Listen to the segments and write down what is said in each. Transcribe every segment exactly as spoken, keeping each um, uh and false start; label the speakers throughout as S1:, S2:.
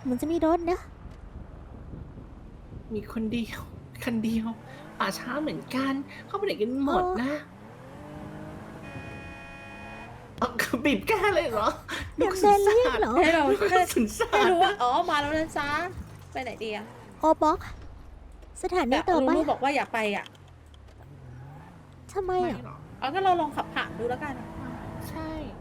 S1: เหมือนจะมีรถนะ
S2: มีคนเดียวคันเดียวป่าช้าเหมือนกัน เข้าไปไหนกันหมดนะเอาบีบแก้เลยเหรอ
S1: เดี๋ยว
S2: สุ
S1: เดินเรียกเหรอ
S3: ให้เรา
S2: ลูก
S3: ให้
S2: สุนสา
S3: ให้
S2: ร
S3: รู้ว่าอ๋อมาแล้วนะจ๊ะไปไหนดีอะ
S1: โอบ็อกสถานี
S3: แต่
S1: ต่อไป
S3: ลูบอกว่าอย่าไปอ่ะ
S1: ทำไม
S2: ไม่
S1: อ่ะ
S2: หรอก
S3: เอางั้นเราลองขับผ่านดูแล้วกัน
S2: ใช่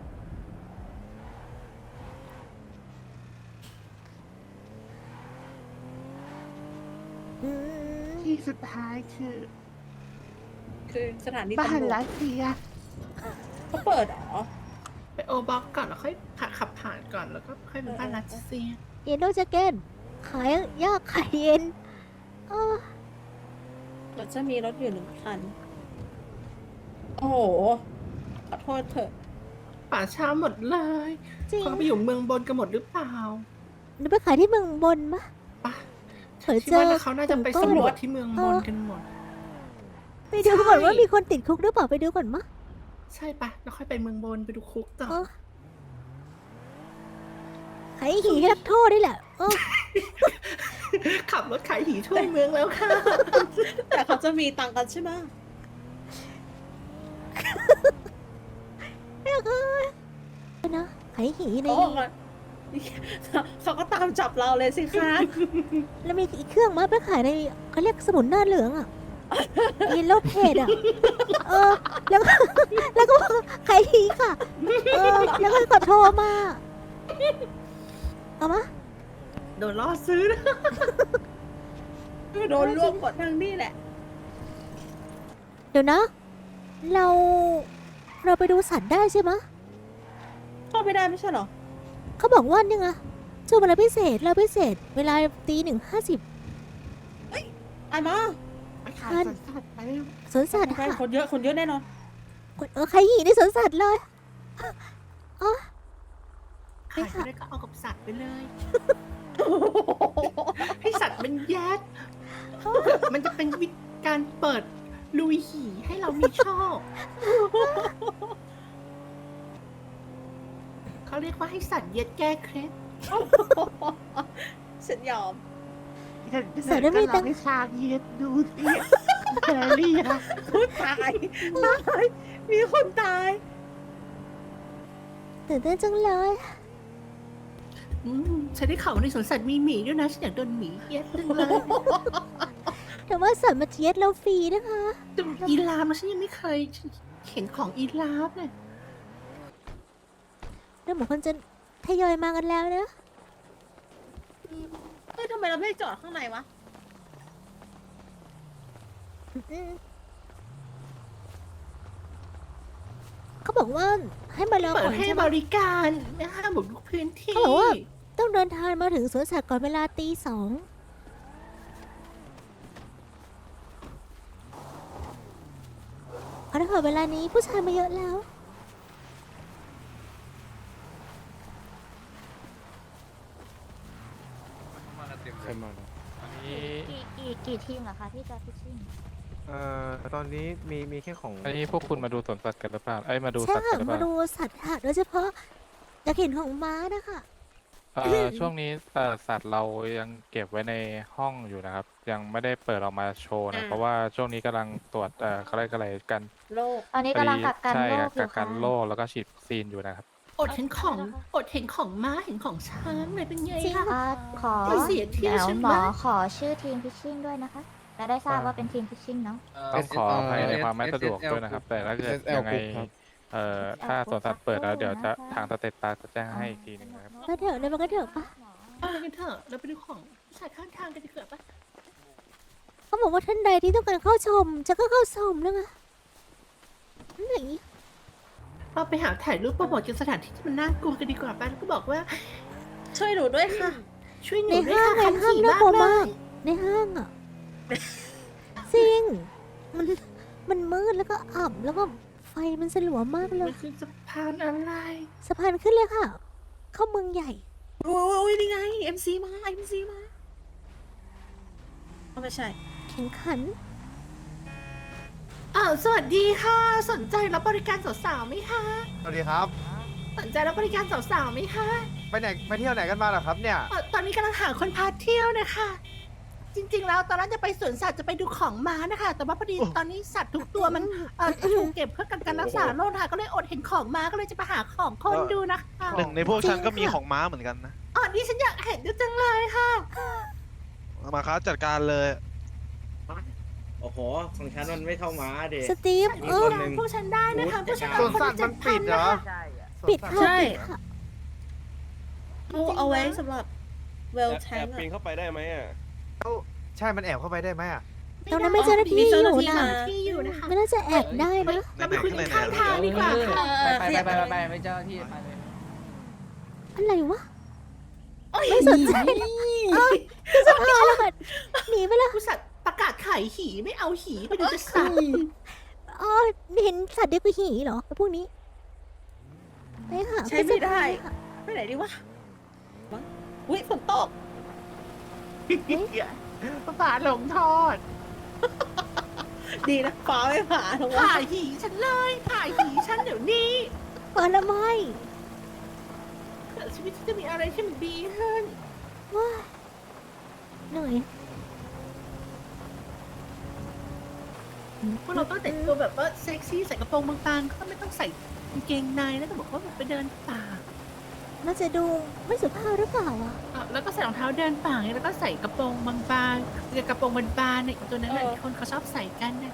S1: อืม
S4: ที่สุดท้ายคือ
S3: คือสถานี
S4: บ้าน
S3: ตำรวจ
S4: รัสเซีย
S3: เขาเปิดเหรอ
S2: ไปโอบ็อกก่อนแล้วค่อยผ่าขับผ่านก่อนแล้วก็ค่อยเป็นบ้านรัสเซีย
S1: เยนโดจะเกนขายยากขายเย็นเออ
S3: เดี๋ยวจะมีรถอยู่หนึ่งคัน โอ้โห ขอโทษเถอะ
S2: ป่าช้าหมดเลย
S1: จริง
S2: เขาไปอยู่เมืองบนกันหมดหรือเปล่า
S1: เดี๋ยวไปขายที่เมืองบนมะ
S2: ปะ
S1: เผื่อ
S2: คิด
S1: เจอ
S2: ว่าเขาน่าจะไป
S1: กลุ่มก้อน
S2: สำรวจที่เมืองบนกันหมด
S1: ไปดูก่อน
S2: ใช่
S1: ว่ามีคนติดคุกหรือเปล่าไปดูก่อนมะ
S2: ใช่ปะแล้วค่อยไปเมืองบนไปดูคุกต่อ
S1: เออขายหีให้นักโทษนี่แหละเออ
S2: ขับรถขายหีทั่วเมืองแล้วค่ะ
S3: แต่เขาจะมีตังค์กันใช่ไหม
S1: เอ้ยนะขายหีใน
S3: โอ้เขาก็ตามจับเราเลยสิคะ
S1: แล้วมีอีกเครื่องมาไปขายในเขาเรียกสมุนหน้าเหลืองอ่ะอีโลเพดอ่ะเออแล้วก็แล้วก็ขายหีค่ะเออแล้วก็กดโทรมาเอามา
S2: โดนล่อซื้อนะ
S3: โดนรวบกดทางนี่แหละ
S1: เดี๋ยวนะ เราเราไปดูสัตว์ได้ใช่ไหมะ
S3: เข้าไม่ได้ไม่ใช่เหรอ
S1: เขาบอกว่านี่ไงช่วงเวลาพิเศษเราพิเศษ เวลาตีหนึ่งห้าสิบ
S3: ไอ้มา
S4: ไปขายสวนสัตว์ไป
S1: สวนสัตว์
S3: ใช่
S1: ค่ะ
S3: คนเยอะ คนเยอะแน่นอน
S1: เออใครหีในสวนสัตว์เลยอ๋อ
S2: ขายไม่ได้ก็เอากับสัตว์ไปเลย ให้สัตว์มันแยกมันจะเป็นวิธีการเปิดลุยหีให้เรามีโชคเขาเรียกว่าให้สัตว์เย็ดแก้เคล็ด
S3: ฉันยอม
S4: เดี๋ยวเดี๋ยวจะลองให้ชางเย็ดดูสิแครี่อะ
S3: พูดตายตาย มีคนตาย
S1: ตื่นเต้นจังเลย
S2: อืมฉันได้ข่าวว่าในสวนสัตว์มีหมีด้วยนะฉันอยากโดนหมีเย็ดจังเลย
S1: แต่ว่าสัตว์มาเทียดเราฟรีนะคะ
S2: แต่อีลามนะฉันยังไม่เคยเห็นของอีลามเลย
S1: แล้วเหมือนคนจะทยอยมากันแล้วนะ
S3: เฮ้ยทำไมเราไม่จอดข้างในวะ
S1: อืมเขาบอกว่าให้มารอ
S2: เปิ
S1: ก่
S2: ด
S1: อน
S2: ให้
S1: ใช่ไห
S2: บ
S1: ม
S2: ริการไม่ห้ามบุกรุกพื้นที่
S1: เขาบอกว่า ต้องเดินทางมาถึงสวนสัตว์ก่อนเวลาตีสองเพราะถ้าเกิดเวลานี้ผู้ชายมาเยอะแล้ว
S5: ใครมาแล้ว
S6: อันนี้
S7: กี่กี่กี่ทีมเหรอคะที่จะพิชชิ่ง
S5: เอ่อตอนนี้มีมีแค่ของ
S6: อันนี้พวกคุณมาดูสวนสัตว์กันหรือเปล่าเอ้ยมาดู
S1: ใช่
S6: สัตว์กั
S1: ค่ะ
S6: นหรือเป
S1: มา
S6: ล่า
S1: ดูสัตว์ค่ะโดยเฉพาะอยากเห็นของม้านะคะ
S6: เอ่อช่วงนี้เอ่อสัตว์เรายังเก็บไว้ในห้องอยู่นะครับ ยังไม่ได้เปิดออกมาโชว์นะ
S3: อ่า
S6: เพราะว่าช่วงนี้กำลังตรวจเอ่ออะไรอะไรกัน
S3: โลก
S7: ตอนนี้กำลังกักกัน
S6: ใช่
S7: โร
S6: ครั
S7: ค
S6: บ
S7: อยู่
S6: กักกั
S7: ค่ะ
S6: นโรคแล้วก็ฉีดวัคซีนอยู่นะครับ
S2: อดเห็นของ อดเห็นของม้าเห็นของช้างเลยเป็นไง
S1: จริง
S2: คะ
S1: ค่ะ
S7: อ่าขอ
S2: ไม่เสียที่
S7: เดี๋ยว
S2: ใช่ไหม
S7: หมอขอชื่อทีมพิชชิ่งด้วยนะคะจะได้ทราบว่าเป็นทีมพิชชิ่งเนาะ
S6: ต้องขออภัยในความไม่สะดวกด้วยนะครับ แต่ถ้าเกิดยังไงเอ่อถ้าสวนสัตว์เปิดแล้วเดี๋ยวจะทางสเตตัสจะแจ้งให้อีกทีหนึงนะครับ
S1: ก็เถอะเดี๋ยวมันก็เถอะปะ
S2: ไปกันเถอะเราไปดูของผู้ชายข้างทางกันดีกว่าปะ
S1: เขาบอกว่าท่านใดที่ต้องการเข้าชม จะก็เข้าชมแล้วไงนั่นอย่างนี้
S2: เราไปหาถ่ายรูปโปรโมทกันสถานที่ที่มันน่ากลัวกันดีกว่าปะแล้วก็บอกว่า
S3: ช่วยหนูด้วยค่ะ
S2: ช่วยหนู
S1: ใน
S2: ด้วย
S1: ห้าง
S2: ค่ะ
S1: ใน
S2: คัน
S1: ห้าง
S2: ขี่
S1: น่ากลัว
S2: มาม
S1: าก ก
S2: เลย
S1: ในห้างอ่ะ จริง มันมันมืดแล้วก็อับแล้วก็ไฟมันสลัวมากเล
S2: มั
S1: ย
S2: นคือสะพานอะไร
S1: สะพานขึ้นเลยค่ะ เข้าเมืองใหญ่
S3: โอ้ยนี่ไง เอ็ม ซี มา เอ็ม ซี มาเอาไม่ใช่
S1: แข่งขัน
S2: อ้าวสวัสดีค่ะ สนใจรับบริการสาวๆไหมคะ
S5: สวัสดีครับ
S2: สนใจรับบริการสาวๆไหมคะ
S5: ไปไหนไปเที่ยวไหนกันมาเหรอครับเนี่ย
S2: เอ่อตอนนี้กำลังหาคนพาเที่ยวนะคะ จริง ๆ แล้วตอนนั้นจะไปสวนสัตว์จะไปดูของม้านะคะ แต่ว่าพอดีตอนนี้สัตว์ทุกตัวมันเอ่อถูกเก็บเพื่อการรักษาโรคค่ะก็เลยอดเห็นของม้าก็เลยจะไปหาของคนดูนะคะ
S5: หนึ่งในพวกฉันก็มีของม้าเหมือนกันนะ
S2: อ๋อนี่ฉันอยากเห็นจังเลยค่ะ
S5: มาครับจัดการเลย
S8: โอ้โห ของฉันมันไม่เข้ามาเด็
S1: สตีฟ
S8: มี
S1: เอ
S8: ค
S1: อน
S8: หนึ่ง
S2: พวกฉันได้นะคะพวกฉัน
S5: ส
S2: เอา
S5: วน
S2: คน
S5: สั
S2: ละ
S5: ตว์
S2: เจ็
S5: มั
S2: ด
S5: น
S2: พั
S5: ปิ
S2: น
S5: ดเหร
S2: นะ
S5: อ
S2: คะ
S1: ปิดค่ะ
S3: ใช่
S1: ปิดค่ะ
S3: เอาเอาไว้สำหรับเวลแท
S9: แอง บปีนเข้าไปได้ไหมอ่ะ
S5: ใช่มันแอบเข้าไปได้ไหมอ่ะ
S1: ตรงนั้นไม่เจ้าหน้าที่
S3: มี
S1: อ
S3: เจ้าหน้า
S1: ยู่
S3: ที่
S1: นะ
S3: มา
S2: ที่อยู่นะคะ
S1: ไม่น่าจะแอบได้นะ
S2: เราไปคุยกันข้างทางดีกว่าค่ะ
S3: เออ
S4: ไป
S3: ข
S4: ไป
S3: ยับ
S4: ไปไปไปไม่เจ้าที่ไปเลย
S1: อะไรวะ ไม่สนใจเอ้ยคือจะพาแล้วกันหนีไปแล้ว
S2: ผู้สัตว์ประกาศขายหีไม่เอาหีไปดูจะสัตว์
S1: อ๋อเห็นสัตว์เดียวกับหีเหรอพวกนี้ไปหา
S3: ใช้ไม่ได้
S1: ค่ะ
S3: ไปไหนดีวะวะอุ้ยฝนตก
S4: ฝาหลงทอด
S3: ดีนะฟ้าไม่ผ่าลง
S2: ผ่า
S3: มา
S2: หีฉันเลยผ่าหีฉันเดี๋ยวนี้
S1: เปิดละไม่
S2: ชีวิตฉันจะมีอะไรที่มันดีขึ้น
S1: ว้าเหนื่อย
S2: พวกเราต้องแต่งตัวแบบว่าเซ็กซี่ใส่กระโปรงบางๆก็ไม่ต้องใส่กางเกงในแล้วแต่บอกว่าแบบไปเดินป่า
S1: น่าจะดูไม่สุภาพหรือเปล่าอ่ะ
S2: อ่ะแล้วก็ใส่รองเท้าเดินป่าไงแล้วก็ใส่กระโปรงบางๆกระโปรงบานๆเนี่ยตัวนั้นแหละที่คนเขาชอบใส่กันนะ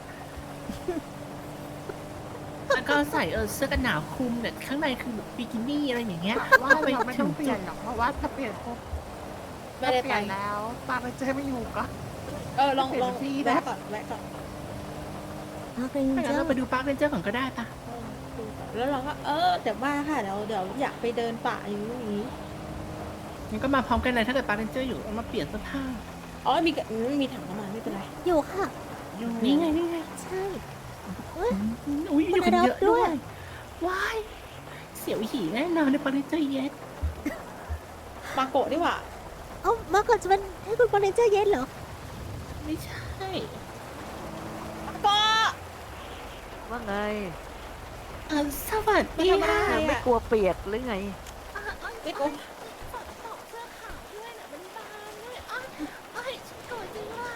S2: แล้วก็ใส่เออเสื้อกันหนาวคลุมเนี่ยข้างในคือแบบบิกินี่อะไรอย่างเงี้ย
S4: ว่าเราไม่ต้องเปลี่ยนหรอกเพราะว่าถ้าเปลี่ยนปุ๊บ
S3: ไม่ได้
S4: เป
S3: ไป
S4: ลี่ยนแล้วปาไปเจอไม่อยู่ก็
S3: เออลองลอง
S4: เปลี่ยนที่นะ
S3: แวะก่อนแวะก่อน
S1: พาเกรง
S2: ถ้างั้น
S1: เจ้า
S2: เราไปดูปาร์คเรนเจอร์ก่อนก็ได้ปะ
S3: เออดูก่อนแล้วเราก็เออเดี๋ยวมาค่ะเดี๋ยวเดี๋ยวอยากไปเดินป่าอย่างนี้อย่างนี้
S2: งั้นก็มาพร้อมกันเลยถ้าเกิดปาร์คเรนเจอร์อยู่เอามาเปลี่ยนเสื้อผ้า
S3: อ๋อมีกระอืมมีถังน้ำมันไม่เป็นไร
S1: อยู่ค่ะ
S2: นี่ไงนี่ไง
S1: ใช่
S2: อุ้ยอยู่กันเยอะด้วยว้ายเสียวหีแน่นอนในปาร์คเรนเจอร์เย็ด
S3: มาโกะดีกว่า
S1: เอ้ามาก่อนจะเป็นให้คุณบอลเลนเจอร์เย็นเหรอ
S2: ไม่ใช่
S3: มาโกะ
S4: ว่าไง
S2: เออสวัสดีค่ะ
S3: ไม่
S4: ไม่กลัวเปียกหรือไง
S2: อ่ะอ่ะ
S3: ไม่โกะ
S2: ฝนตกเสื้อขาวด้วยน่ะมันบานด้วยอ่ะเอ้ยฉันโกรธจริงเลย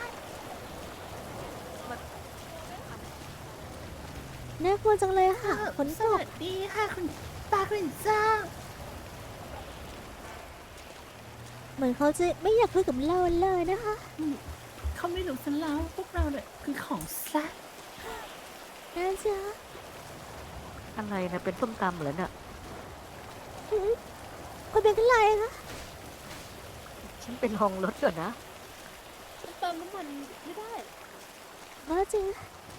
S1: น่ากลัวจังเลยค่ะฝน
S2: ส
S1: ตก
S2: วัสดีค่ะคุณปาร์คเรนเจอร์
S1: เหมือนเขาจะไม่อยากคุยกับเราเลยนะคะ
S2: เขาไม่รู้ซะแล้วพวกเราเนี่ยคือของแซ่บ
S1: น่าจะ
S4: อะไรนะเป็นส้มตำเหรอเนี่ย
S1: หืมคนเป็นอะไรคะ
S4: ฉันเป็นห้องรถก่อนนะ
S3: เติมน้ำมันไม่ได้
S1: ว่าจริง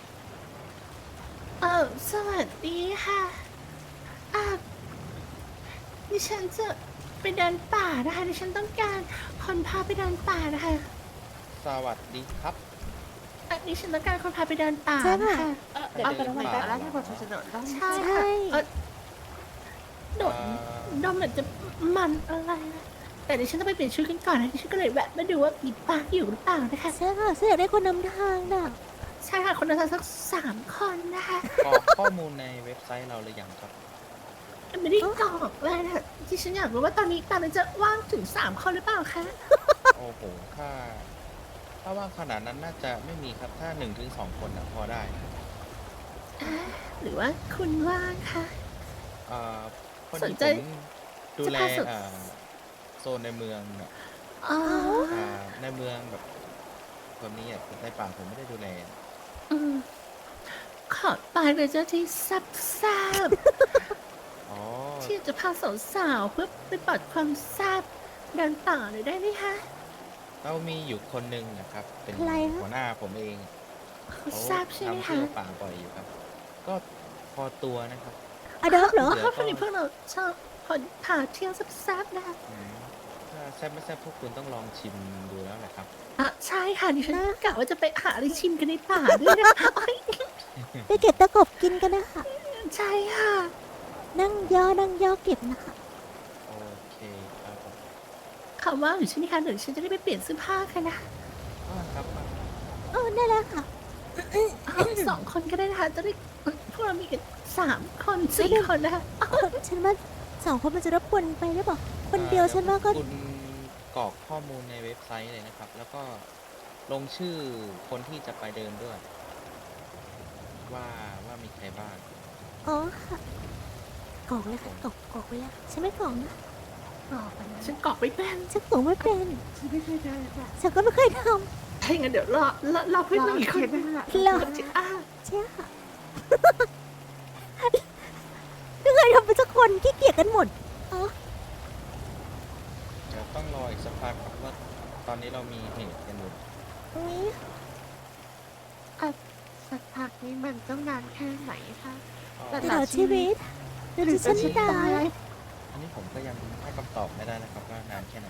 S2: เออสวัสดีค่ะอ่ะดิฉันจะไปเดินป่านะคะดิฉันต้องการคนพาไปเดินป่านะคะ
S8: สวัสดีครับ
S2: อ่ะดิฉันต้องการคนพาไปเดินป่า
S1: ใช่
S2: นะ
S1: ค่ะ
S2: คะ
S3: เออเดี๋ยวเติมน้ำมันแป๊บ
S4: แล้วที่ผมจะโดดต้อง
S2: ใช่
S1: ใช่
S2: ค่ะเออโดด
S8: เอ่อ
S2: ดมเหมือนจะมันอะไรนะแต่ดิฉันต้องไปเปลี่ยนชุดกันก่อนนะดิฉันก็เลยแวะมาดูว่ามีปาร์คอยู่หรือเปล่านะคะ
S1: ใช่ค่ะฉันอยากได้คนนำทางน่ะ
S2: ใช่ค่ะคนละสักสามคนนะคะ
S8: กรอกข้อมูลในเว็บไซต์เราหรือยังครับ
S2: ไม่ได้กรอกเลยนะที่ฉันอยากรู้ว่าตอนนี้ตามันจะว่างถึงสามคนหรือเปล่าคะ
S8: โอ้โห ถ้า ถ้าว่างขนาดนั้นน่าจะไม่มีครับ ถ้าหนึ่งถึงสองคนนะพอได้
S2: อ่าหรือว่าคุณว่างคะ
S8: เอ่อคน
S2: สน
S8: ที่
S2: ใจ
S8: ผมดูแล
S2: จะพาสน
S8: เอ่อโซนในเมืองน่ะ
S2: อ๋อ
S8: อ่าในเมืองแบบคนนี้อ่ะในป่าผมไม่ได้ดูแล
S2: อืมขอไปเลยเจ้าที่ซับซับ
S8: อ๋อ
S2: ที่จะพาสาวๆเพื่อไปปัดความแซ่บเดินต่อเลยได้ไหมคะ
S8: เรามีอยู่คนหนึ่งนะครับ เป็น
S1: ใครคะ
S8: หัวหน้าผมเอง
S2: เขา
S8: เขา
S2: แซ่บใช่ไหม
S8: ทำเที่
S2: คะ
S8: ยวป่าบ่อยอยู่ครับ ก็พอตัวนะครับ
S1: อดอปเหรอ
S8: เดี๋ยว
S2: เพราะพอดีพวกเราชอบคนพาเที่ยวแซ่บๆนะคะ
S8: อืมถ้าแซ่บไม่แซ่บพวกคุณต้องลองชิมดูแล้วแหละครับ
S2: อ่ะใช่ค่ะดิฉันกะว่าจะไปหาอะไรชิมกันในป่าด้วยนะคะโอ๊ย
S1: ไปเก็บตะกบกินกันนะคะ
S2: ใช่ค่ะ
S1: นั่งย่อนั่งย่อเก็บนะคะ
S8: โอเคครับผม
S2: คำว่าอยู่ใช่ไหมคะเดี๋ยวฉันจะได้ไปเปลี่ยนเสื้อผ้ากันนะ
S8: อ่าครับอ่า
S1: เออได้แล้วค่ะ
S2: เอาสองคนก็ได้นะคะจะได้พวกเรามีกันสามคนสี่คนนะคะ
S1: ฉันว่าสองคนมันจะรบกวนไปหรือเปล่าคนเดียวฉันว่าก็
S8: คุณกรอกข้อมูลในเว็บไซต์เลยนะครับ แล้วก็ลงชื่อคนที่จะไปเดินด้วย ว่าว่ามีใครบ้าง
S1: อ๋อค่ะกรอกเลยค่ะกรอกกรอกไปแล้วฉันไม่กรอกนะ
S2: บอกไปนะฉันกรอกไม่เป็น
S1: ฉันกรอกไม่เป็น
S4: ฉันไม่เคยได้ค่ะ
S1: ฉันก็ไม่เคยท
S2: ถ้าอย่างนั้นเดี๋ยวรอรอรอเพื่อนหนึ่งอีกคน
S4: รอเขียนนั่นแหละ
S1: ำแล้ว
S2: จิอ้า
S1: ใช่ค่ะ ไม่เคยทำเป็นสักคนขี้เกียจกันหมดอ๋อ
S8: เดี๋ยวต้องรออีกสักพักครับว่าตอนนี้เรามีเหตุกันอยู่
S1: นี่
S4: อ่ะสักพักนี้มันต้องนานแค่ไหนคะ
S8: ก็
S1: ตลอดชีวิตหรือฉันตาย
S8: อันนี้ผมก็ยังให้คำตอบไม่ได้นะครับว่านานแค่ไหน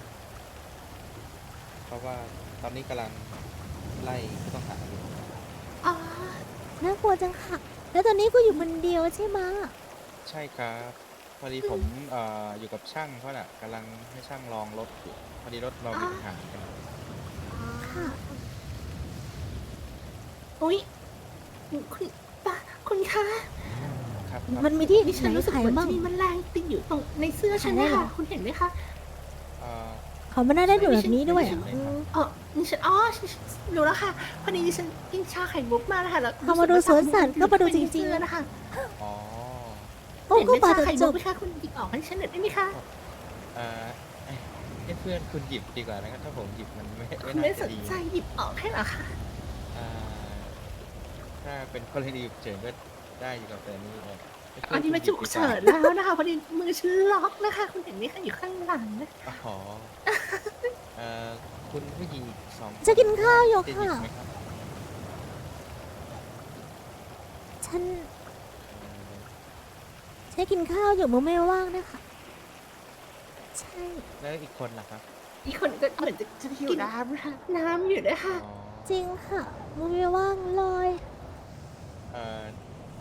S8: เพราะว่าตอนนี้กำลังไล่ผู้ต้องหาอยู่
S2: อ๋อ
S1: น่ากลัวจังค่ะ แล้วตอนนี้กูอยู่คนเดียวใช่ไหมะ
S8: ใช่ครับ พอดีผมเอ่ออยู่กับช่างเขาน่ะกำลังให้ช่างลองรถอยู่พอดีรถเรามีปัญหากัน
S1: ค่ะ
S2: อุ้ยคุณป้าคุณคะ
S8: ครับ
S1: มันมีที่
S2: ดิฉั
S1: ไหน
S2: นรู้สึก
S1: ขาย
S2: เหมือน
S1: บ้าง
S2: จะมีแมลงติดอยู่ตรงในเสื้อฉัน
S1: ขายได้
S2: นะ
S1: เหรอ
S2: คะคุณเห็นไหมคะ
S8: เอ่อ
S1: เขาไม่น่าได้ดูแบบนี้ด้วยอ่ะ
S8: ไม่
S1: อื
S8: ใช่
S1: ม
S2: อ๋อดิฉันอ๋อฉันฉันรู้แล้วค่ะพอดีดิฉันกินชาไข่มุกมานะคะแล้ว
S1: เขามาดูสวนสัตว์ก็มาดูจริงๆ
S2: ๆนะคะ
S8: อ๋อ
S1: โอ้
S2: เห็น
S1: ก็
S2: เป็น
S1: ปา
S2: ชา
S1: จะ
S2: ไข่
S1: จ
S2: มุก
S1: บ
S2: ไหมคะคุณหยิบออกให้ฉันหน่อยได้ไหมคะ
S8: เอ่อให้เพื่อนคุณหยิบดีกว่านะครับถ้าผมหยิบมันไม่
S2: คุ
S8: ไม่
S2: ณ
S8: น่า
S2: ไม่ส
S8: จะ
S2: น
S8: ดี
S2: ใจหยิบออกให้เหรอคะ
S8: อ่าถ้าเป็นกรณีฉุกเฉินก็ได้อยู่กับแต่นี่เลยให้เพื่
S2: อันนี้
S8: คุณ
S2: มา
S8: หยิ
S2: ฉุ
S8: บ
S2: ก
S8: ดีว่า
S2: เฉินแล้วนะคะพอดีมือฉันล็อกนะคะ คุณเห็นไหมคะอยู่ข้างหลังนะ
S8: อ๋อเอ่อคุณผู้หญิงสองค
S1: จะกินข้าวอยู่
S8: จห
S1: ค่ะ
S8: บไหมรับ
S1: ฉัน
S8: เอ่อ
S1: ใช้กินข้าวอยู่มือไม่ว่างนะคะ ใช่
S8: แล้วอีกคนล่ะครับ
S2: อีกคนก็เหมือนจะ
S4: ฉันหิวน้ำค่ะ
S2: น้ำอยู่นะคะ
S8: อ๋อ
S1: จริงค่ะมือไม่ว่างเลย
S8: เอ่อ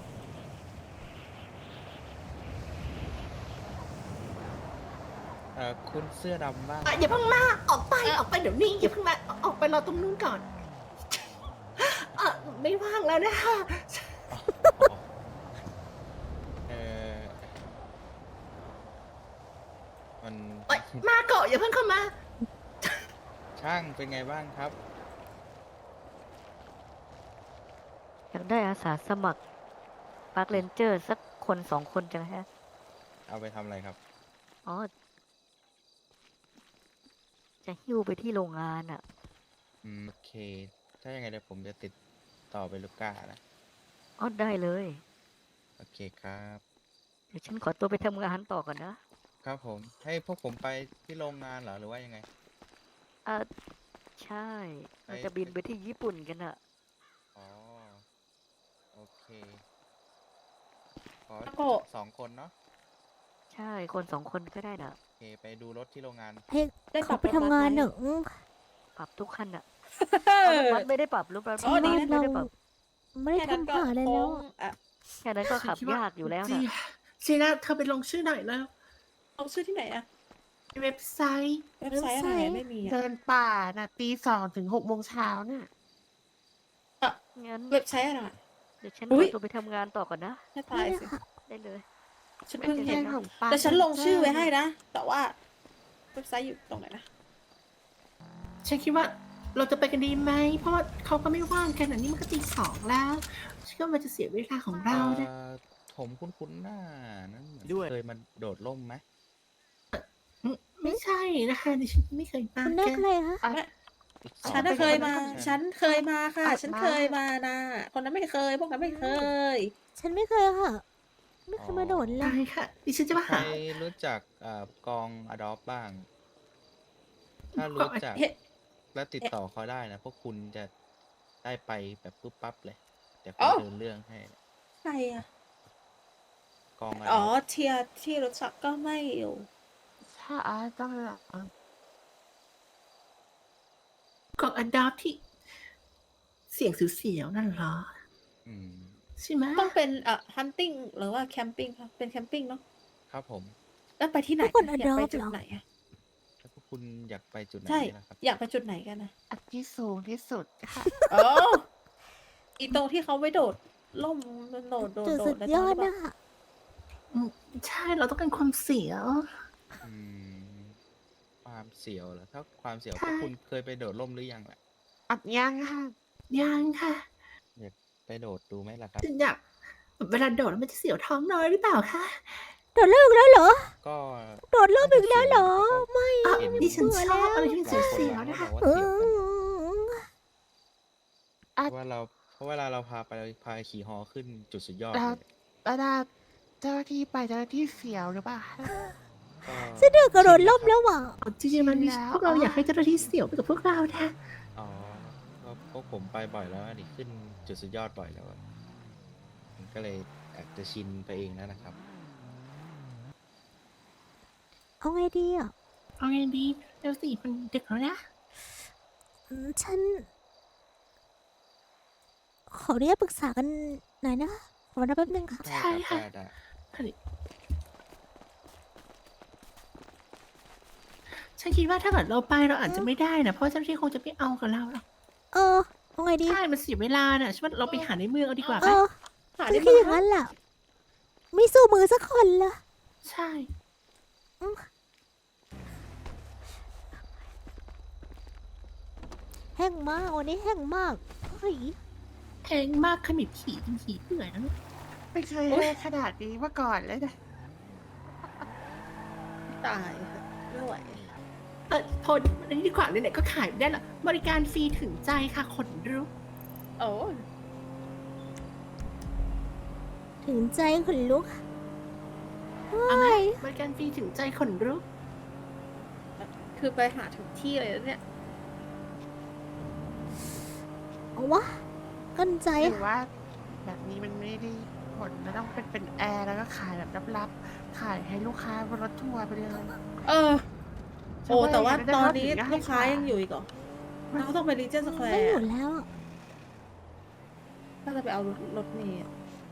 S8: เอ่อคุณเสื้อดำบ้าง
S2: อ่ะอย่าเพิ่งมาออกไปออกไปเดี๋ยวนี้อย่าเพิ่งมาออกไปรอตรงนู้นก่อนอ่ะไม่ว่างแล้วนะคะ
S8: เออมัน
S2: เอ้ยมาเกาะอย่าเพิ่งเข้ามา
S8: ช่างเป็นไงบ้างครับ
S9: อยากได้อาสาสมัครปาร์คเรนเจอร์สักคนสองคนจังฮะ
S8: เอาไปทำอะไรครับ
S9: อ๋อ จะหิ้วไปที่โรงงานอ่ะ
S8: อืมโอเค ถ้ายังไงเดี๋ยวผมจะติดต่อไปลูก้านะ
S9: อ๋อ ได้เลย
S8: โอเคครับ
S9: เดี๋ยวฉันขอตัวไปทำงานต่อก่อนนะ
S8: ครับผม ให้พวกผมไปที่โรงงานเหรอหรือว่ายังไง
S9: อ่าใช่เราจะบินไปที่ญี่ปุ่นกันอ่ะ
S8: อ๋อ โอเค ขอ
S3: ตะโกะ
S8: สองคนเนาะ
S9: ใช่ คนสองคนก็ได้นะ
S8: โอเค ไปดูรถที่โรงงาน
S1: ให้
S3: ได้
S1: เขาไปทำงานเนอะอืม
S9: ปรับทุกคันอ่ะ
S3: เอ
S9: เอารถ
S3: อ
S9: บัสไม่ได้ปรับรถบัส
S3: อ๋อดีนะ
S9: ไม่ได้ปรับ
S1: ไม่ได้
S3: แค่นั้น
S1: ทำ
S3: ก็
S1: หาอะไร
S3: ค
S1: แล้ว
S3: ง
S1: อะ
S3: อ่ะ
S9: แค่นั้นก็ขับยากอยู่แล้ว
S2: จี
S9: นะ
S2: จีน่าเธอไปลงชื่อหน่อยแล้ว
S3: เอาชื่อที่ไหนอะ
S2: เว็บไซต์
S3: เว็บไซต์อะไรอะไม่มีอะ
S4: เดินป่าน่ะตีสองถึงหกโมงเช้าน่ะ
S9: งั้น
S3: เว็บไซต์อะไรอะ
S9: เดี๋ยวฉัน
S3: อุ๊
S9: ขอย ตัวไปทำงานต่อก่อนนะ
S3: ให้ตายสิ
S9: ได้เลย
S3: ฉันเพิ่งเห็น
S4: ไม่ใช่ของป้า
S3: แต่ฉันลงชื่อไว้ให้นะ แต่ว่าเว็บไซต์อยู่ตรงไหนนะ
S2: ฉันคิดว่าเราจะไปกันดีไหม เพราะว่าเขาก็ไม่ว่างกันอันนี้มันก็ตีสองแล้วฉันก็มันจะเสียเวลาของเราเนี่ย
S8: อ่อผมคุ้นๆหน้านั้นเหมือน
S5: ด้วย
S8: เคยมาโดดร่มไหม
S2: ไม่ใช่นะคะดิฉันไม่เคยมา
S1: คุณแน่
S2: แก
S1: ใครคะ
S4: อ่ะ
S8: อีกสอง
S3: ฉันน่ะ
S8: น
S3: เคยมา
S8: ใช่
S3: ฉันเคยมาค่ะ
S4: อ่ะ
S3: ฉัน
S4: มา
S3: เคยมานะคนนั้นไม่เคย พวกนั้นไม่เคย
S1: ฉันไม่เคยค่ะ ไม่เคยมาโดดเล
S2: ได้
S1: ย
S2: ค่ะ ดิฉันจะมา
S8: ใคร
S2: หา
S8: รู้จักเอ่อกองอดอปบ้าง ถ้ารู้จัก
S3: เฮ้
S8: และติดต่อเขาได้นะ พวกคุณจะได้ไปแบบปุ๊บปั๊บเลย เดี๋ยว
S3: อ๋
S8: เขา
S3: อ
S8: เดินเรื่องให้
S3: ใครอะ
S8: กองอด
S3: อ๋อ
S8: อป
S3: เทียที่รู้จักก็ไม่อยู่
S4: ถ้าอาต้องละ
S2: กล่องอันดับที่ เสียงเสียวๆนั่นเหรอ
S8: อืม
S2: ใช่ไหม
S3: ต้องเป็นเอ่อ hunting หรือว่า camping ค่ะเป็น camping เนาะ
S8: ครับผม
S3: แล้วไปที่ไหน
S1: ทุกคน
S3: อยากไป
S1: adopt
S3: จุด
S1: เหรอ
S3: ไหนอะ
S8: ถ้าพวกคุณอยากไปจุดไหน
S3: ใช่
S8: นะครับ
S3: อยากไปจุดไหนกันนะ
S4: อันที่สูงที่สุดค่ะ
S3: อ๋ออีตรงที่เขาไว้โดดล่มโดดโดด
S1: จุด
S3: โด
S1: สุ
S3: ด
S1: ด
S3: อะไร
S1: ย
S3: ตรง
S1: อด
S3: นี้ปะ
S1: นะคะ
S2: อืมใช่เราต้องการความเสียว
S8: อืมเสียวเหรอถ้าความเสียว
S2: ใช่
S8: พวกคุณเคยไปโดดร่มหรือยังล่ะ
S4: อัดยังค่ะ
S2: ยังค่ะ
S8: อยากไปโดดดูไหมล่ะครับ
S2: ฉันอยากเวลาโดดแล้วมันจะเสียวท้องน้อยหรือเปล่าคะ
S1: โดดเลิกแล้วเหรอ
S8: ก็
S1: โดดเลิกอีกแล้วเหรอ ไม่
S2: อ่ะ
S8: เห็น
S2: ดิฉันชอบอะไร
S8: ห
S2: ที่
S8: ลาย
S2: มัน
S8: คน
S2: เสียว
S8: บาง
S2: ๆ
S8: คน
S2: นะคะ
S8: บอกว่า
S1: เอ
S8: เสียวกัน
S1: อ
S8: เพราะว่าเราเพราะเวลาเราพาไปพาขี่ฮอขึ้นจุดสุดยอด
S4: แล้ว
S8: เลย
S4: แล้วดาเจ้าหน้าที่ไปเจ้าหน้าที่เสียวหรือเปล่า
S8: ก็
S1: ฉันเดือกระโดดล่มแล้วว่ะ
S2: จริงๆมันมี
S4: แล้ว
S2: พวกเราอยากให้เจ้าหน้าที่เสี่ยวไปกับพวกเรานะ
S8: อ๋อก็พวกผมไปบ่อยแล้วดิขึ้นจุดสุดยอดบ่อยแล้วอะมันก็เลยอาจจะชินไปเองแล้วนะครับ
S1: เอาไงดีอ่ะ
S2: เอาไงดีเดี๋ยวสิมันดึกแล้วนะ
S1: อืมฉัน ขออนุญาตปรึกษากันหน่อยนะขอรับแป๊บนึงค่ะ
S2: ใช่ค่ะ
S8: ได้ได้
S2: ฉันคิดว่าถ้าเกิดเราไปเราอาจจะไม่ได้นะเพราะเจ้าหน้าที่คงจะไม่เอากับเราหรอก
S1: เออเอาไงดี
S2: ใช่มันเสียเวลาน่ะฉันว่าเราไปหาในเมืองเอาดีกว่า
S1: เอ
S2: ปะ
S1: อ
S3: หา
S1: ฉั
S3: ได้
S1: น
S3: ไหม
S1: คิดอย่างนั้นแหละไม่สู้มือสักคนละ
S2: ใช่
S1: แห้งมากวันนี้แห้งมากเฮ้ย
S2: แพงมากขมิบขี่จนขี่เปื่อยแล้วเนี่ย
S4: ไม่เคยให้ขนาดนี้มาก่อนเลยนะ
S3: ตายค่ะไม่ไหว
S2: เออทนอันนี้ดีกว่าไหนๆก็ขายไม่ได้ละบริการฟรีถึงใจค่ะขนลุก
S3: โอ้
S1: ถึงใจขนลุก
S2: เอาไหม
S1: เฮ้ย
S2: บริการฟรีถึงใจขนลุก
S3: คือไปหาถึงที่เลยแล้วเนี่ย
S1: เอาวะกั้นใจ
S4: หรือว่า แบบนี้มันไม่ได้ผลมันต้องเป็นเป็นแอร์แล้วก็ขายแบบลับๆขายให้ลูกค้าบนรถทัวร์ไปเลย
S3: เออ โอ้ แต่ว่า
S4: จะได้
S3: ตอน
S4: รับ
S3: นี้
S4: ถึงจะให้
S3: ลูกค้า
S4: ขาย
S3: ยังอยู่อีกเหรอเราก็ต้องไปรีเจนสแคว
S1: ไม่
S3: ร์
S1: อยู่แล้วอะ
S3: ถ้าจะไปเอารถรถเมล์อะ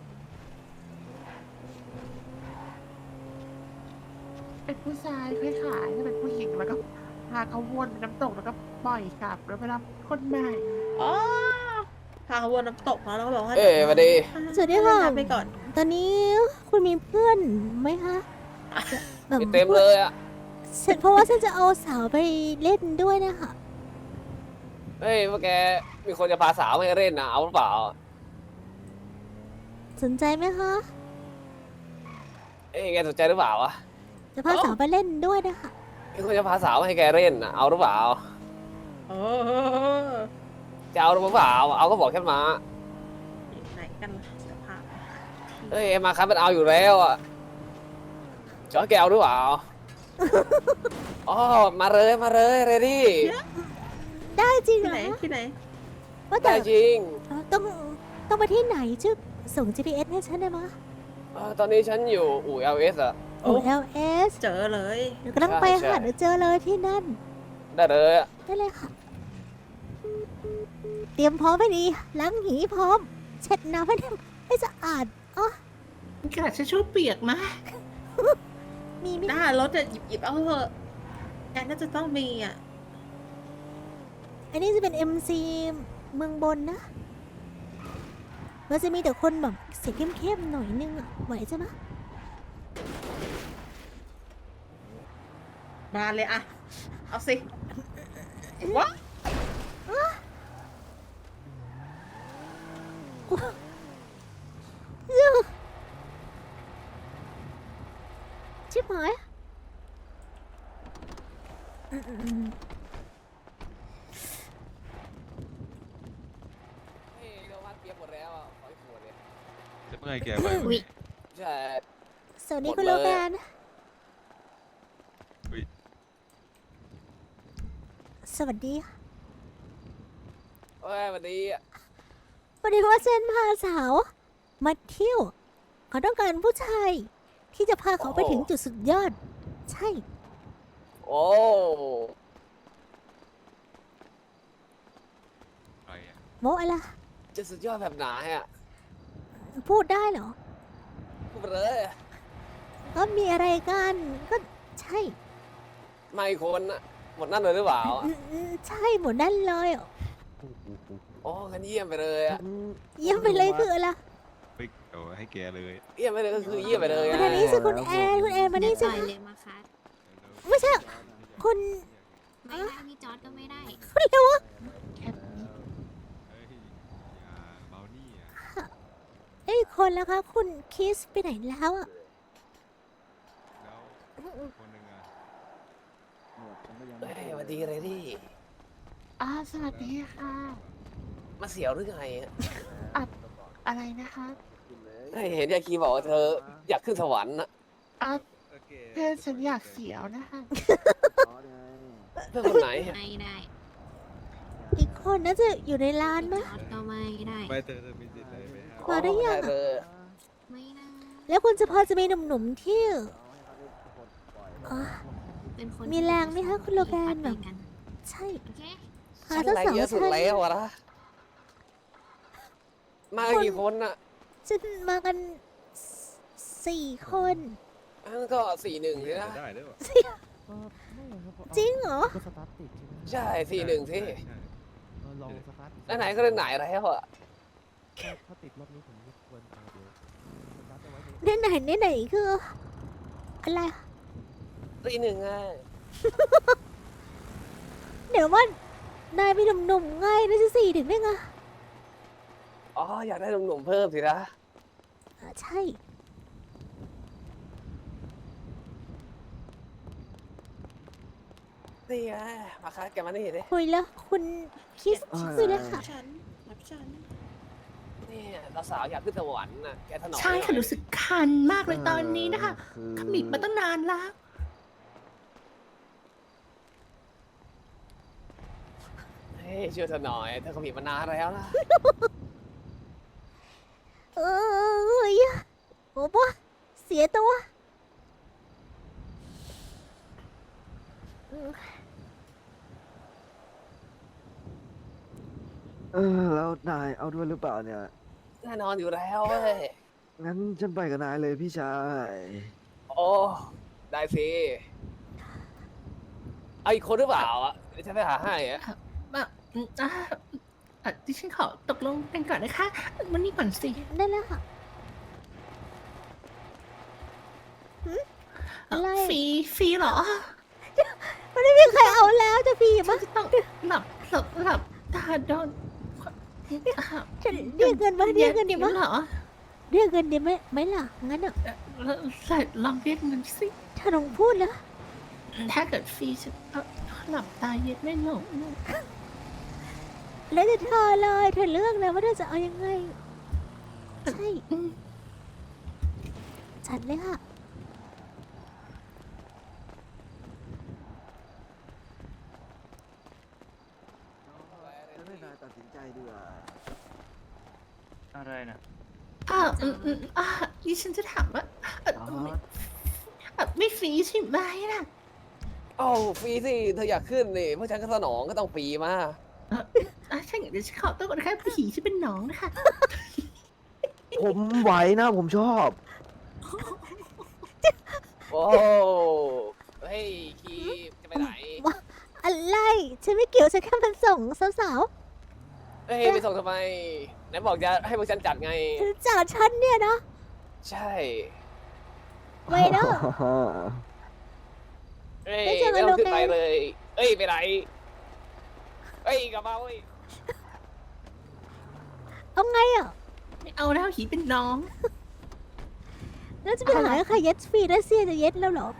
S4: เป็นผู้ชายค่อยขายถ้าเป็นผู้หญิงแล้วก็พาเขาวนน้ำตกแล้วก็ปล่อยกลับแล้วไปรับคนใหม่
S3: อ๋อพาเขาวนน้ำตกมาแล้วก็บอกว่า
S10: เอ้ยสวัสดี
S1: สวัสดีค่ะ
S3: ไปก่อน
S1: ตอนนี้คุณมีเพื่อนไหมคะแบบ
S10: มีเต็มเลยอ่ะ
S1: ฉันเพราะว่าฉันจะเอาสาวไปเล่นด้วยนะคะ
S10: เฮ้ยพวกแกมีคนจะพาสาวมาให้เล่นนะเอาหรือเปล่า
S1: สนใจไหมคะ
S10: เอ้ยแกสนใจหรือเปล่าวะ
S1: จะพาสาวไปเล่นด้วยนะคะ
S10: มีคนจะพาสาวมาให้แกเล่นนะเอาหรือเปล่า
S3: โอ้
S10: จะเอาหรือเปล่าเอาก็บอกแค่มา
S3: ไหนกันล่ะจะพาไปหาที่
S10: เฮ้ยมาครับมันเอาอยู่แล้วอ่ะจอแกเอาหรือเปล่าอ๋อมาเลยมาเลยเรดี้
S1: ได้จริงเหร
S3: ที่ไหน
S1: อ
S3: ที่ไหน
S1: ว่าแต่
S10: ได้จริง
S1: เอ่อต้องต้องไปที่ไหนชื่อส่ง จี พี เอส ให้ฉันได้ไหมย
S10: เออตอนนี้ฉันอยู่อู่ แอล เอส อ่ะ
S1: โอ้ แอล เอส
S3: เจอเลย
S1: เดี๋ยวก็ต้องไป
S10: ใช่
S1: ค่ะ
S10: ใช่
S1: เดี๋ยวเจอเลยที่นั่น
S10: ได้เลยอะ
S1: ได้เลยค่ะ เตรียมพร้อมให้ดีล้างหีพร้อม เช็ดน้ำให้ให้สะอาดอ๋อก
S2: ระดาษทิชชู่เปียกมาก
S1: มีไหม
S3: หน้ารถอะหยิบหยิบเอาเถอะแกน่าจะต้องมีอ่ะ
S1: อันนี้จะเป็น เอ็ม ซี เมืองบนนะ มันจะมีแต่คนแบบเสียงเข้มๆหน่อยนึงอะไหวใช่ไหมย
S3: มาเลยอะเอาสิวะ
S1: ชิบหายอืมอืมอืม
S10: เฮ้ยเราพัดเปียกหมดแล้วอ่ะขออีกขวดเลย
S5: จะเมื่อยแกไป
S2: อุ๊ย
S10: ใช่
S1: สวัสดี
S10: หมด
S1: คุณโล
S10: เลย
S1: แกน
S5: อุ๊ย
S1: สวัสดีค่ะ
S10: เฮ้ยสวัสดีอะ
S1: วันนี้ว่าเซนพาสาว มาเที่ยว เขาต้องการผู้ชาย ที่จะพาเขาไปถึงจุดสุดยอด ใช่
S10: โอ้
S5: อะไรอะ
S1: โมอะไร
S10: จะสุดยอดแบบไหนอ่ะ
S1: พูดได้เหรอ
S10: พูดไปเลย
S1: ก็มีอะไรกัน ก็ใช่
S10: ไม่คนอะหมดนั่นเลยหรือเปล่าอะ
S1: อืมอืมใช่หมดนั่นเลยอ่ะ
S10: โอ้งั้นเยี่ยมไปเลยอะ
S1: เยี่ยมไปเลยคืออะไร
S5: เฮ้ยเอาให้แกเลย
S10: เยี่ยมไปเลยก็คือเยี่ยมไปเลย
S1: มา
S10: อะ
S1: ทางนี้สิคุณแอนคุณแอนมานี่สิ
S7: ปล่อยเลยมาคัส
S1: ไม่ใช่ คุณ
S7: ไม่ได้พี่จอร์ดก็ไม่ได้
S1: อะไรวะ
S4: แค่นี้
S5: เฮ้ยอย่าเบานี่อ่ะ
S1: ไอ้ยคนแล้วคะคุณคิสไปไหนแล้วอ่ะ
S5: แล้วคนหนึ่งอ่ะ
S10: เฮ้ยสวัสดีเลยดิ
S4: อ่าสวัสดีค่ะ
S10: มาเสียวหรือไงอะ
S4: อะไรนะคะ
S10: เฮ้ยเห็นยาคีบอกว่าเธออยากขึ้นสวรรค์นะ
S4: อ่า
S5: โอเค
S4: เพื่อนฉันอยากเสียวนะคะ
S10: เพื่อนคนไหน
S7: ไม่ได้
S1: อีกคนน่าจะอยู่ในร้านไหม
S7: จอร์ดก็ไม่ได้
S5: ไปเธอเธอมีสิทธิ์เลยไหมครับ
S1: มาได้ยัง
S10: เธ
S1: อะ
S10: อ
S7: ไม่ได้
S1: แล้วคุณจะพอจะมีหนุ่มๆที่อ๋อ
S7: เป็นคน
S1: มีแรงไหมคะคุณโลแกน
S7: แบ
S1: แบบ
S7: กัน
S1: ใช่
S7: โอเค
S1: หา
S10: ฉัน
S1: สัก
S10: แรง
S1: สอง
S10: เยอะสุด
S1: ชั้น
S10: แล้วอะนะมากันกี่คนอะ
S1: จะมากันสสี่คน
S10: อันก็สี่หนึ่งสินะ
S5: ได้ด้วยวะ
S1: จริงเหรอ
S10: ใช่สี่หนึ่งสิ
S5: ใช่
S10: แล้วไหนก็เล่นไหนแล้วอะ
S1: ในไหนในไหนคือ อะไร
S10: สี่หนึ่งไง
S1: เดี๋ยวว่านายมีหนุ่มๆง่ายนะจะสี่ถึงได้ไง
S10: อ๋ออยากได้หนุ่มๆเพิ่มสินะ
S1: อ่าใช่
S10: นี่ไงมาคัดแกมานี่ดิ
S1: คุยแล้วคุณคิสคุยแล้วค่ะ
S3: ฉันรับฉัน
S10: นี่เราสาวอยากขึ้นสวรรค์น่ะแกถนอม
S2: ใช่ค่ะ
S10: หน่อย
S2: รู้สึกคันมากเลยตอนนี้นะคะขมิบมาตั้งนานแล้ว
S10: เฮ้ยช่วยเธอหน่อยเธอขมิบมานานแล้วนะ
S1: เอ้ยโอ้ปะเสียตัวอืม
S11: เออแล้วนายเอาด้วยหรือเปล่าเนี่ย
S10: แน่นอนอยู่แล้วเว้ย
S11: งั้นฉันไปกับนายเลยพี่ชาย
S10: โอ้ได้สิเอาอีกคนหรือเปล่าอ่ะเดี๋ยวฉันไปหาให้อะ
S2: อ่ะอืมอ่ะอ่ะดิฉันขอตกลงกันก่อนนะคะวันนี้ก่อนสิ
S1: ได้แล้วค่ะ
S2: เอ่อ
S1: อะไร
S2: ฟรีฟรีเหรอ
S1: มันไม่มีใครเอาแล้วจะพี่
S2: ฉั
S1: มะ
S2: นจะต้องหลับหลับหลับตาโดนอ่ะ
S1: ฉันเรียกเงินมาเรียกเงินดี
S2: ดี๋
S1: มะ
S2: เหรอ
S1: เรียกเงินดีไหมไหมล่ะงั้นอ่ะ
S2: เอ่อใส่ลองเรียกเงินสิ
S1: ถ้าลองพูดแล้ว
S2: ถ้าเกิดฟรีฉันก็หลับตาเย็นไม่หลง
S1: แล้วแต่เธอเลยเธอเลือกเลยว่าเธอจะเอายังไง ใช่
S2: อืม
S1: จัดเลยค่ะ
S11: ฉันให้นายตัดสินใจดีกว่า
S6: อะไรนะ
S2: อ่าอืมอืมอ่าดิฉันจะถามว่าเอ่อ
S11: อ๋อ
S2: ไม่อ่ะไม่ฟรีใช่ไหมล่ะ
S10: โอ้ฟรีสิเธออยากขึ้นนี่เพราะฉันก็สนองก็ต้องฟรีมา
S2: เอ่ออ่ะใช่งั้นเดี๋ยวฉันขอตัวก่อนนะคะผีฉันเป็นน้องนะคะ
S11: ผมไหวนะผมชอบ
S10: โอ้เฮ้ยคีจะไปไหน
S1: อะไรฉันไม่เกี่ยวฉันแค่มันส่งสาว
S10: เฮ้ยไปส่งทำไมไหนบอกจะให้พวกฉันจัดไง
S1: ๆเธอจากฉันเนี่ยนะ
S10: ใช่
S1: ไว้เด้อ
S10: เฮ้ย
S1: ไม่เจอกั
S10: ไม่
S1: น
S10: ต้องขึ้น
S1: โลแกน
S10: ไปเลย เอ้ยไปไหนเอ้ยกลับมาเว้ย
S1: เอาไงอ่ะ
S2: ไม่เอาแล้วผีเป็นน้อง
S1: แล้วจะไปหาใครเย็ดฟรีรัสเซียจะเย็ดแล้วเหรอ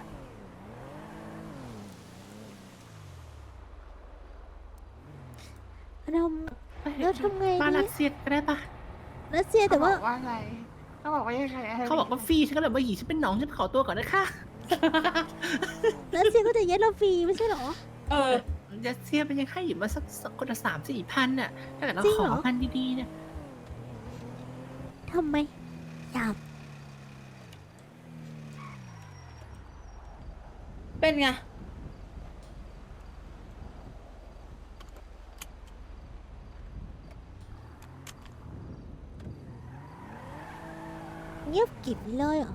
S1: เรา แล้วทำไง
S2: มา
S1: ดี
S2: รัสเซียก็ได้ปะ
S1: รัสเซียแต่ว่า
S4: เขบอกว่าอะไรเขาบอกว่ายังไงะ
S2: เขาบอกว่าฟรีฉันก็เลยว่าหีฉันเป็นน้องฉันขอตัวก่อนนะคะ
S1: รัสเซียก็จะเย็ดเราฟรีไม่ใช่เหรอ
S3: เออ
S2: รัสเซียเป็นยังให้อยู่มาสักสักคนละสามสี่พันน่ะถ้าเกิดเรา
S1: จริง
S2: ข
S1: เหร
S2: อ
S1: อ
S2: พันดีๆเนี่ย
S1: ทำไมอยาก
S3: เป็นไง
S1: เงียบกริบเลยเหรอ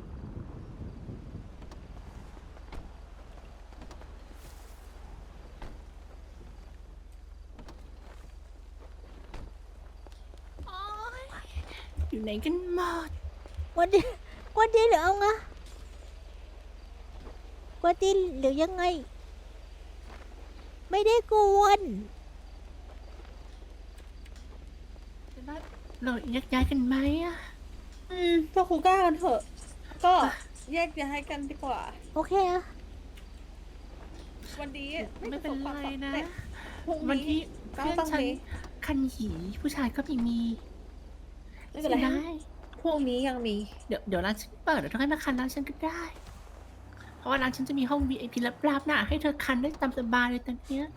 S2: โอ๊ยอยู่ไหนกันหมด
S1: กวนดีกวนดีหรือเอาไงกวนดีหรือยังไงได้กวน
S2: เราแยกย้ายกันไหมอะ
S3: อืมพวกคูก้ากันเถอะ ก็แยกย้ายกันดีกว่า
S1: โอเคอะ
S3: วันนี้
S2: ไม่เป็นไรนะ
S3: พรุ่ง
S2: วัน
S3: นี้
S2: ที่
S3: ก็
S2: เพื่อน
S3: ต้อง
S2: ฉัน
S3: มี
S2: คันหีผู้ชายก็ไม่มี
S3: ไม่เป็นไร
S2: ได้
S3: พรุ่งนี้ยังมี
S2: เดี๋ยวเดี๋ยวร้านฉันเปิดเดี๋ยวเธอให้มาคันร้านฉันก็ได้ เพราะว่าร้านฉันจะมีห้อง วี ไอ พี ลับๆนะให้เธอคันได้ตามสบายเลยตอนเนี้ย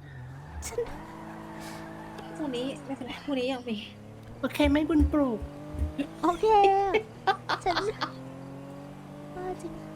S3: พรุ่งนี้ไม่เป็นไร พรุ่งนี้ยังมี
S2: โอเคไหม่บุญปลูก
S1: โอเค ฉันว่าจริง